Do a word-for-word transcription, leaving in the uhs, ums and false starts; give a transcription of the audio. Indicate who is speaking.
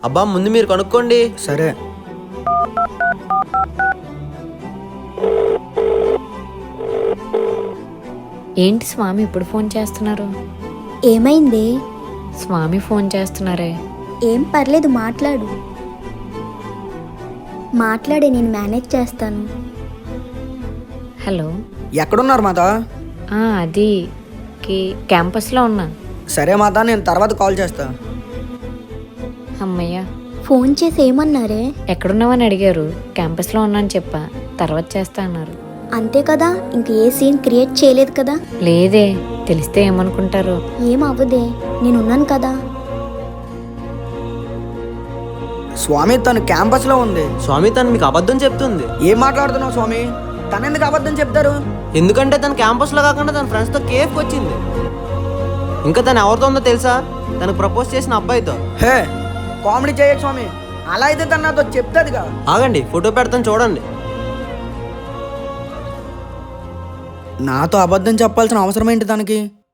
Speaker 1: అబ్బా ముందు మీరు కనుక్కోండి.
Speaker 2: సరే.
Speaker 3: ఏంటి స్వామి ఇప్పుడు ఫోన్ చేస్తున్నారు?
Speaker 4: ఏమైంది?
Speaker 3: స్వామి ఫోన్ చేస్తున్నారే.
Speaker 4: ఏం పర్లేదు, మాట్లాడు. మాట్లాడే, నేను మేనేజ్ చేస్తాను.
Speaker 3: హలో.
Speaker 2: ఎక్కడున్నారు మాత?
Speaker 3: ఆ, అది కి క్యాంపస్లో ఉన్నా.
Speaker 2: సరే మాత, నేను తర్వాత కాల్ చేస్తా.
Speaker 3: అమ్మయ్య.
Speaker 4: ఫోన్ చేసి ఏమన్నారే?
Speaker 3: ఎక్కడున్నావని అడిగారు. క్యాంపస్లో ఉన్నాను చెప్పా, తర్వాత చేస్తా అన్నారు.
Speaker 4: అంతే కదా, ఇంక ఏ సీన్ క్రియేట్ చేయలేదు కదా.
Speaker 3: లేదే, తెలిస్తే ఏమనుకుంటారు.
Speaker 4: ఏం అవ్వదే, నేనున్నాను కదా.
Speaker 2: స్వామి తను క్యాంపస్ లో ఉంది.
Speaker 1: స్వామి తను మీకు అబద్ధం చెప్తుంది.
Speaker 2: ఏం మాట్లాడుతున్నావు స్వామి? తను ఎందుకు అబద్ధం చెప్తారు?
Speaker 1: ఎందుకంటే తను క్యాంపస్లో కాకుండా తన ఫ్రెండ్స్తో కేఫ్కి వచ్చింది. ఇంకా తను ఎవరితో ఉందో తెలుసా? తనకు ప్రపోజ్ చేసిన అబ్బాయితో.
Speaker 2: హే, కామెడీ చేయకు స్వామి. అలా అయితే తను నాతో చెప్తాదిగా.
Speaker 1: ఆగండి, ఫోటో పెడతాను చూడండి.
Speaker 2: నాతో అబద్ధం చెప్పాల్సిన అవసరం ఏంటి తనకి?